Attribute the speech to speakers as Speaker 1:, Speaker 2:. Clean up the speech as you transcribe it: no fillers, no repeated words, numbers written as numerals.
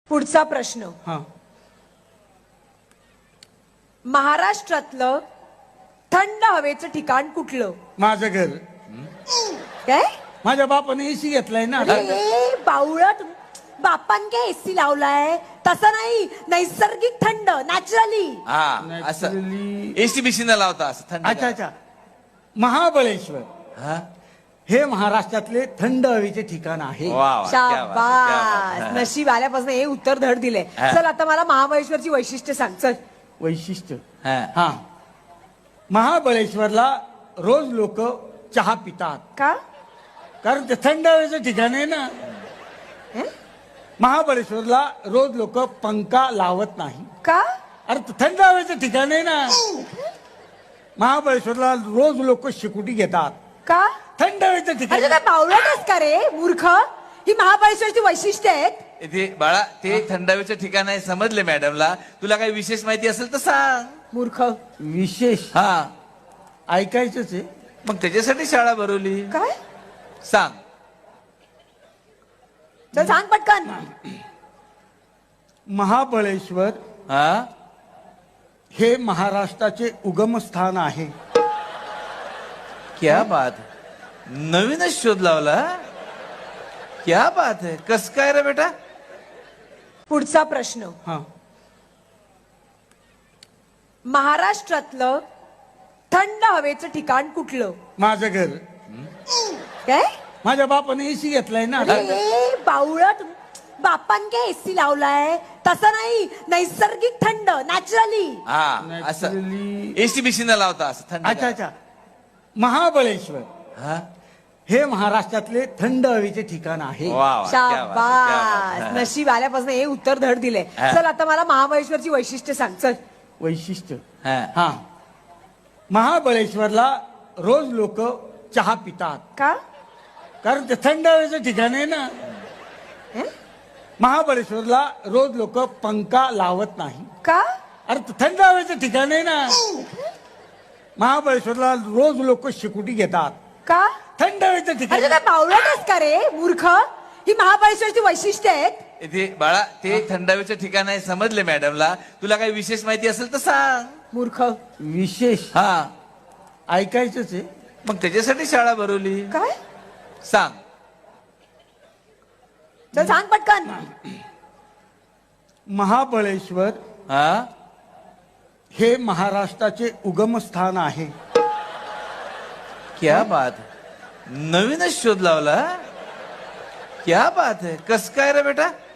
Speaker 1: पुढचा प्रश्न,
Speaker 2: हा
Speaker 1: महाराष्ट्रातलं थंड हवेचं ठिकाण कुठलं?
Speaker 2: माझं घर.
Speaker 1: काय?
Speaker 2: माझ्या बापाने एसी घेतलाय ना.
Speaker 1: अरे बावळट, बापान काय एसी लावलाय? तसं नाही, नैसर्गिक थंड, नॅचरली.
Speaker 3: हा असं
Speaker 2: Naturally.
Speaker 3: एसी बिसी न लावता असं थंड.
Speaker 2: अच्छा अच्छा. महाबळेश्वर
Speaker 3: हा
Speaker 2: हे महाराष्ट्रातले थंड हवेचे ठिकाण आहे.
Speaker 3: वा वा, क्या बात है, क्या बात
Speaker 1: शाबास,
Speaker 3: है.
Speaker 1: नशीब आल्यापासून हे उत्तर धड दिले.
Speaker 3: हा.
Speaker 1: चल आता मला महाबळेश्वरची वैशिष्ट्य सांग. चल.
Speaker 2: वैशिष्ट्य.
Speaker 3: हा.
Speaker 2: हा महाबळेश्वरला रोज लोक चहा पितात
Speaker 1: का?
Speaker 2: कारण ते थंड हवेचं ठिकाण आहे ना.
Speaker 1: हे?
Speaker 2: महाबळेश्वरला रोज लोक पंखा लावत नाही.
Speaker 1: का?
Speaker 2: अरे ते थंड हवेचं ठिकाण आहे ना. महाबळेश्वरला रोज लोक शिकुटी घेतात.
Speaker 1: का?
Speaker 2: थंड हवेचं ठिकाण.
Speaker 1: अरे काय बावळटच का रे मूर्ख? ही महाबळेश्वरची वैशिष्ट्य आहेत.
Speaker 3: ते बाळा ते थंडावीचं ठिकाण आहे समजले मॅडमला. तुला काही विशेष माहिती असेल तर सांग.
Speaker 1: मूर्ख.
Speaker 2: विशेष
Speaker 3: हा
Speaker 2: ऐकायचंच आहे.
Speaker 3: मग त्याच्यासाठी शाळा भरवली.
Speaker 1: काय?
Speaker 3: सांग.
Speaker 1: चल सांग पटकन.
Speaker 2: महाबळेश्वर
Speaker 3: हा
Speaker 2: हे महाराष्ट्राचे उगमस्थान आहे.
Speaker 3: क्या बात है. नवीनच शोध लावला. क्या बात है. कस काय रे बेटा?
Speaker 1: पुढचा प्रश्न,
Speaker 2: हा
Speaker 1: महाराष्ट्रातलं थंड हवेचं ठिकाण कुठलं?
Speaker 2: माझं घर.
Speaker 1: काय?
Speaker 2: माझ्या बापाने एसी घेतलाय ना.
Speaker 1: अरे बावळट, बापान काय एसी लावलाय? तसं नाही, नैसर्गिक थंड, नॅचरली.
Speaker 3: हा असं
Speaker 2: Naturally.
Speaker 3: एसी बिसी न लावता असं थंड.
Speaker 2: अच्छा अच्छा. महाबळेश्वर
Speaker 3: हा
Speaker 2: हे महाराष्ट्रातले थंड हवेचे ठिकाण आहे.
Speaker 3: वा वा, क्या बात है, क्या बात
Speaker 1: शाबास,
Speaker 3: है.
Speaker 1: नशीब आल्यापासून हे उत्तर धड दिले.
Speaker 3: हा.
Speaker 1: चल आता मला महाबळेश्वरची वैशिष्ट्य सांग. चल.
Speaker 2: वैशिष्ट्य.
Speaker 3: हा.
Speaker 2: हा महाबळेश्वरला रोज लोक चहा पितात
Speaker 1: का?
Speaker 2: कारण ते थंड हवेचं ठिकाण आहे ना.
Speaker 1: हे?
Speaker 2: महाबळेश्वरला रोज लोक पंखा लावत नाही.
Speaker 1: का?
Speaker 2: अरे ते थंड हवेचं ठिकाण आहे ना. महाबळेश्वरला रोज लोक शिकुटी घेतात.
Speaker 1: का?
Speaker 2: थंड हवेचं ठिकाण.
Speaker 1: अरे काय बावळटच का रे मूर्ख? ही महाबळेश्वरची वैशिष्ट्य आहेत.
Speaker 3: ते बाळा ते थंडावीचं ठिकाण आहे समजले मॅडमला. तुला काही विशेष माहिती असेल तर सांग.
Speaker 1: मूर्ख.
Speaker 2: विशेष
Speaker 3: हा
Speaker 2: ऐकायचंच आहे.
Speaker 3: मग त्याच्यासाठी शाळा भरवली.
Speaker 1: काय?
Speaker 3: सांग.
Speaker 1: चल सांग पटकन.
Speaker 2: महाबळेश्वर
Speaker 3: हा
Speaker 2: हे महाराष्ट्राचे उगमस्थान आहे.
Speaker 3: क्या बात है. नवीनच शोध लावला. क्या बात है. कस काय रे बेटा?